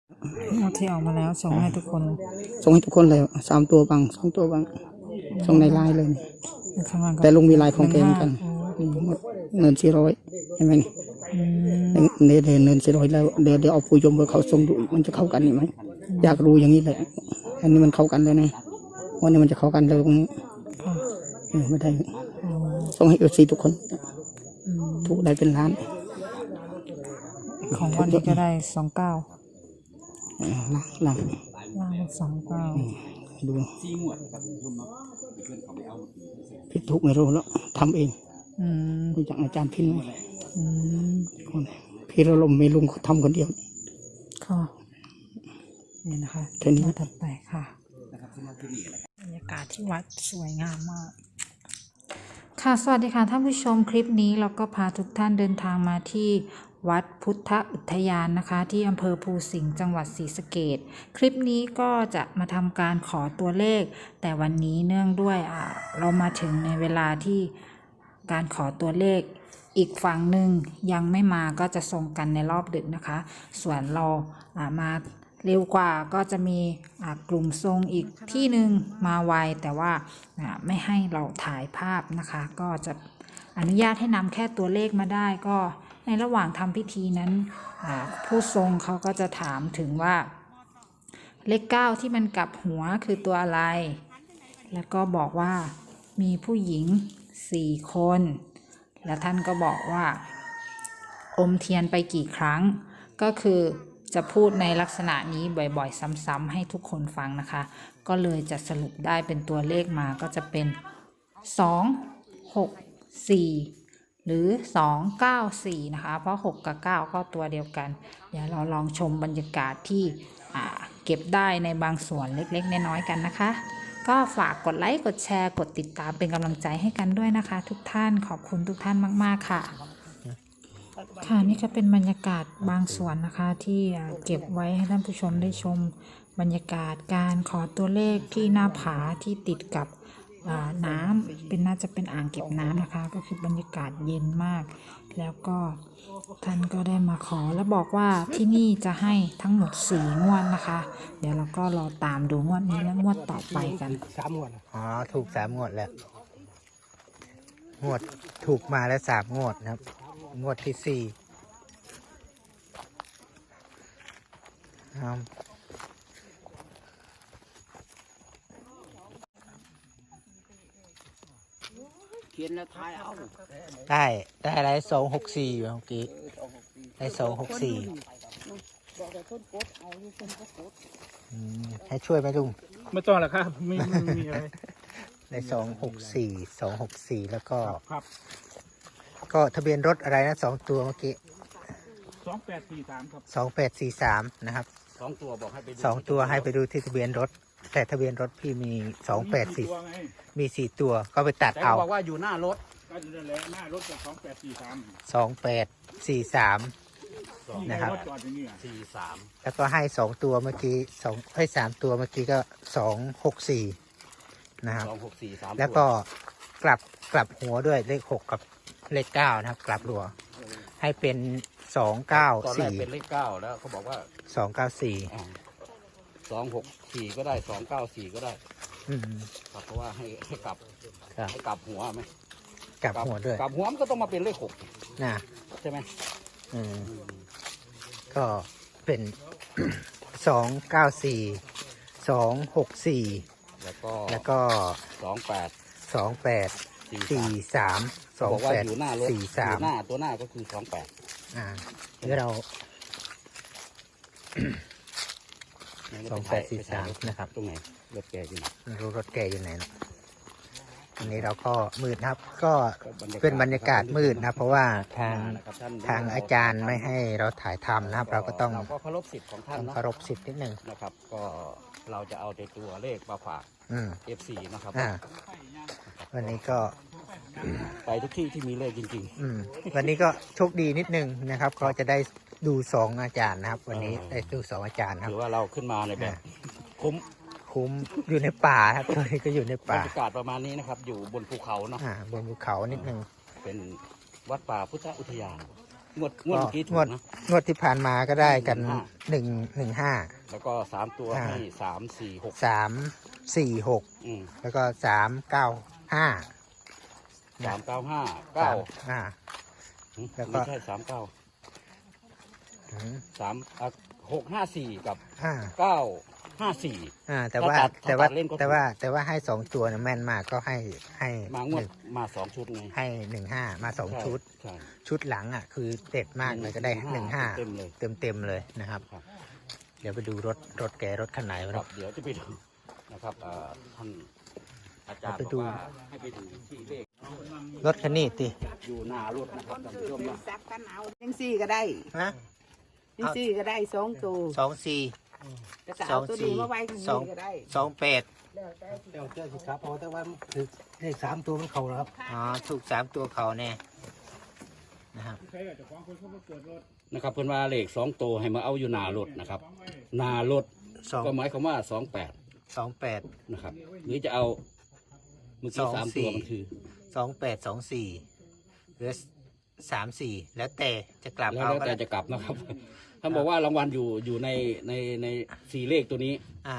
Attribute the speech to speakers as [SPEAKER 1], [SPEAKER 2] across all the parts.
[SPEAKER 1] ที่ออกมาแล้วส่งให้ทุกคน
[SPEAKER 2] เลย3 ตัวบ้าง2 ตัวบ้างส่งในไลน์เลยแต่ลุงมีไลน์ของแกเหมือนกันเงิน400ใช่ไหมเนี่ยเงิน400แล้วเดี๋ยวเอาผู้ยมเบอร์เขาส่งดูมันจะเข้ากันไหมอยากรู้อย่างนี้แหละอันนี้มันเข้ากันเลยนะวันนี้มันจะเข้ากันเลยตรงนี้ไม่ได้ส่งให้FCทุกคนถูกได้เป็นล้าน
[SPEAKER 1] ของวันนี้ก็ได้29
[SPEAKER 2] ล่าง
[SPEAKER 1] 29
[SPEAKER 2] ดูผิดถูกไม่รู้แล้วทำเองรู้จักอาจารย์พินไหมพี่เราลมไม่ลุงเขาทำคนเดียว
[SPEAKER 1] ค่ะนี่นะคะถัดไปค่ะบรรยากาศที่วัดสวยงามมากค่ะสวัสดีค่ะท่านผู้ชมคลิปนี้เราก็พาทุกท่านเดินทางมาที่วัดพุทธอุทยานนะคะที่อำเภอภูสิงห์จังหวัดศรีสะเกษคลิปนี้ก็จะมาทำการขอตัวเลขแต่วันนี้เนื่องด้วยเรามาถึงในเวลาที่การขอตัวเลขอีกฝั่งหนึ่งยังไม่มาก็จะส่งกันในรอบดึกนะคะส่วนเรามาเร็วกว่าก็จะมีกลุ่มทรงอีกที่หนึ่งมาไวแต่ว่าไม่ให้เราถ่ายภาพนะคะก็จะอนุญาตให้นำแค่ตัวเลขมาได้ก็ในระหว่างทำพิธีนั้นผู้ทรงเขาก็จะถามถึงว่าเลข9ที่มันกลับหัวคือตัวอะไรแล้วก็บอกว่ามีผู้หญิง4 คนแล้วท่านก็บอกว่าอมเทียนไปกี่ครั้งก็คือจะพูดในลักษณะนี้บ่อยๆซ้ำๆให้ทุกคนฟังนะคะก็เลยจะสรุปได้เป็นตัวเลขมาก็จะเป็น2 6 4หรือ294นะคะเพราะ6กับ9ก็ตัวเดียวกันเดี๋ยวเราลองชมบรรยากาศที่เก็บได้ในบางส่วนเล็กๆน้อยๆกันนะคะก็ฝากกดไลค์กดแชร์กดติดตามเป็นกำลังใจให้กันด้วยนะคะทุกท่านขอบคุณทุกท่านมากๆค่ะนี่ก็เป็นบรรยากาศบางส่วนนะคะที่เก็บไว้ให้ท่านผู้ชมได้ชมบรรยากาศการขอตัวเลขที่หน้าผาที่ติดกับน้ำน่าจะเป็นอ่างเก็บน้ำนะคะก็คือบรรยากาศเย็นมากแล้วก็ท่านก็ได้มาขอและบอกว่าที่นี่จะให้ทั้งหมด4 งวดนะคะเดี๋ยวเราก็รอตามดูงวดนี้และงวดต่อไปกัน
[SPEAKER 2] 3 งวดถูก3 งวดแล้วงวดถูกมาแล้ว3 งวดนะครับงวดที่4เขียนแล้วทายเอาได้อะไร264เมื่อกี้ได้264ให้ช่วยไหมลุง
[SPEAKER 3] ไม่ต้องหรอกครับไม่มีอะไร
[SPEAKER 2] ได้264แล้วก็ก็ทะเบียนรถอะไรนะ2 ตัวเมื่อกี้
[SPEAKER 3] 2843ครับ
[SPEAKER 2] 2843นะครับ
[SPEAKER 3] 2 ตัวบอกให้ไปดู
[SPEAKER 2] 2 ตัวให้ไปดูที่ทะเบียนรถแต่ทะเบียนรถพี่มี284มี4 ตัวก็ไปตัดเอา
[SPEAKER 3] บอกว่าอยู่หน้ารถก็อยู่นั่นแหละหน้ารถกับ2843
[SPEAKER 2] นะครับ
[SPEAKER 3] 43
[SPEAKER 2] แล้วก็ให้2 ตัวเมื่อกี้3 ตัวเมื่อกี้ก็264นะครับ264แล้วก็กลับหัวด้วยเลข6กับเลข9นะครับกลับหัวให้เป็น294
[SPEAKER 3] ตอนแรกเป็นเลข9แล้วเขาบอกว่า
[SPEAKER 2] 294
[SPEAKER 3] 264ก็ได้294ก็ได้ครับเพราะว่าให้กลับหัวไหม
[SPEAKER 2] กลับหัวด้วย
[SPEAKER 3] กลับหัวมันก็ต้องมาเป็นเลข6
[SPEAKER 2] นะ
[SPEAKER 3] ใช่ไหม
[SPEAKER 2] ก็เป็น294 264แล้วก็2843
[SPEAKER 3] บอกว่าอยู่หน้ารถอยู่หน้าตัวหน้าก็คือ28
[SPEAKER 2] เดี๋ยวเรา2843นะครับ
[SPEAKER 3] ตรงไหนรถแกอยู่ไหน
[SPEAKER 2] ไม่รู้รถแกอยู่ไหนนะอันนี้เราก็มืดนะครับก็เป็นบรรยากาศมืดนะเพราะว่าทางอาจารย์ไม่ให้เราถ่ายทำนะครับเราก็ต้อง
[SPEAKER 3] เคารพสิทธิ์ของท่าน
[SPEAKER 2] เคารพสิทธิ์นิดนึง
[SPEAKER 3] นะครับก็เราจะเอาแต่ตัวเลขมาฝากFC นะครับ
[SPEAKER 2] วันนี้ก็
[SPEAKER 3] ไปทุกที่ที่มีเลขจริง
[SPEAKER 2] ๆวันนี้ก็โชคดีนิดนึงนะครับก็จะได้ดู2 อาจารย์นะครับวันนี้ได้ดู2 อาจารย์ครับ
[SPEAKER 3] ถือว่าเราขึ้นมาในแบบคุ้ม
[SPEAKER 2] อยู่ในป่าครับตอนนี้ก็อยู่ในป่า
[SPEAKER 3] บรรยากาศประมาณนี้นะครับอยู่บนภูเขาเนาะ
[SPEAKER 2] บนภูเขานิดนึง
[SPEAKER 3] เป็นวัดป่าพุทธอุทยานงวดเมื่อกี้ถูกนะ
[SPEAKER 4] งวดที่ผ่านมาก็ได้กัน115
[SPEAKER 3] แล้วก็3 ตัวให้3 4 6
[SPEAKER 4] 346แล้วก็395
[SPEAKER 3] 3 9 5 9
[SPEAKER 4] แล้วก็
[SPEAKER 3] ไม่ใช่39 6 5 4กับ9 5 4
[SPEAKER 4] แต่ว่าให้2 ตัวนะแม่นมากก็ให้
[SPEAKER 3] มางวดมา2 ชุดไง
[SPEAKER 4] ให้15มา2 ชุด
[SPEAKER 3] ใช่
[SPEAKER 4] ชุดหลังอ่ะคือเด็ดมากเลยก็ได้15เต็มเลยนะครับเดี๋ยวไปดูรถคันไหน
[SPEAKER 3] ครับเดี๋ยวจะไปดูนะครับท่านอาจารย์บอกว่าให้ไปดูที่เลข
[SPEAKER 4] รถคันนี้ติ
[SPEAKER 3] อยู่หน้ารถนะครับท่านผู้ชมนะ
[SPEAKER 5] ซับกันเอาจังซี่ก็ได้จังซี่ก็ได้2 ตัว
[SPEAKER 4] 24
[SPEAKER 5] ก็เอาตัวนี้มาไว้ข้างนี้ก็ได้
[SPEAKER 4] 28
[SPEAKER 2] เดี๋ยวเจอสิครับเพราะแต่ว่าคือเลข3 ตัวมันเข้าแล้วครับ
[SPEAKER 4] ถูก3 ตัวเขาแน่นะครับ
[SPEAKER 3] เพิ่นว่าเลข2 ตัวให้มาเอาอยู่หน้ารถนะครับหน้ารถก็หมายความว่า28นะครับหรือจะเอาเมื่อกี้3 ตัวมันคือ
[SPEAKER 4] 2824หรือ34แล้วแต่จะกลับเอา
[SPEAKER 3] แล้วแต่จะกลับนะครับท่านบอกว่ารางวัลอยู่ใน4 เลขตัวนี้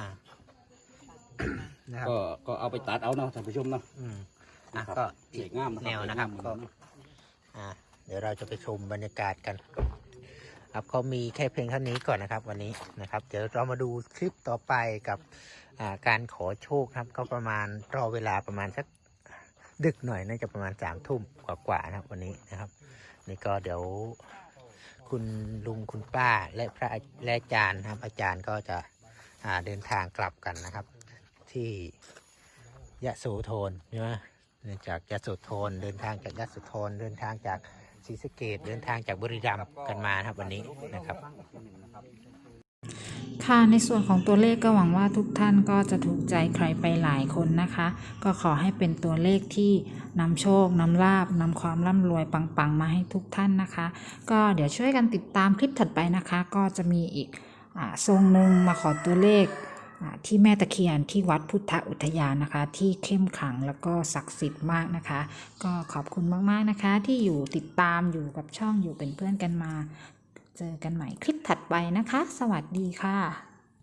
[SPEAKER 3] ก็เอาไปตัดเอาเนาะท่านผู้ชมเนาะ
[SPEAKER 4] ก็
[SPEAKER 3] อีกงาม
[SPEAKER 4] แนวนะครับก็เดี๋ยวเราจะไปชมบรรยากาศกันครับเขามีแค่เพียงเท่านี้ก่อนนะครับวันนี้นะครับเดี๋ยวเรามาดูคลิปต่อไปกับการขอโชคครับก็ประมาณรอเวลาประมาณสักดึกหน่อยน่าจะประมาณ3 ทุ่มกว่านะครับวันนี้นะครับนี่ก็เดี๋ยวคุณลุงคุณป้าและพระและอาจารย์ครับอาจารย์ก็จะเดินทางกลับกันนะครับที่ยะโสธรใช่ไหมจากยะโสธรเดินทางจากยะโสธรเดินทางจากศรีสะเกษเดินทางจากบุรีรัมย์กันมาครับวันนี้นะครับ
[SPEAKER 1] ค่ะในส่วนของตัวเลขก็หวังว่าทุกท่านก็จะถูกใจใครไปหลายคนนะคะก็ขอให้เป็นตัวเลขที่นำโชคนำลาภนำความร่ำรวยปังๆมาให้ทุกท่านนะคะก็เดี๋ยวช่วยกันติดตามคลิปถัดไปนะคะก็จะมีอีกทรงหนึ่งมาขอตัวเลขที่แม่ตะเคียนที่วัดพุทธอุทยานนะคะที่เข้มขลังแล้วก็ศักดิ์สิทธิ์มากนะคะก็ขอบคุณมากๆนะคะที่อยู่ติดตามอยู่กับช่องอยู่เป็นเพื่อนกันมาเจอกันใหม่คลิปถัดไปนะคะสวัสดีค่ะ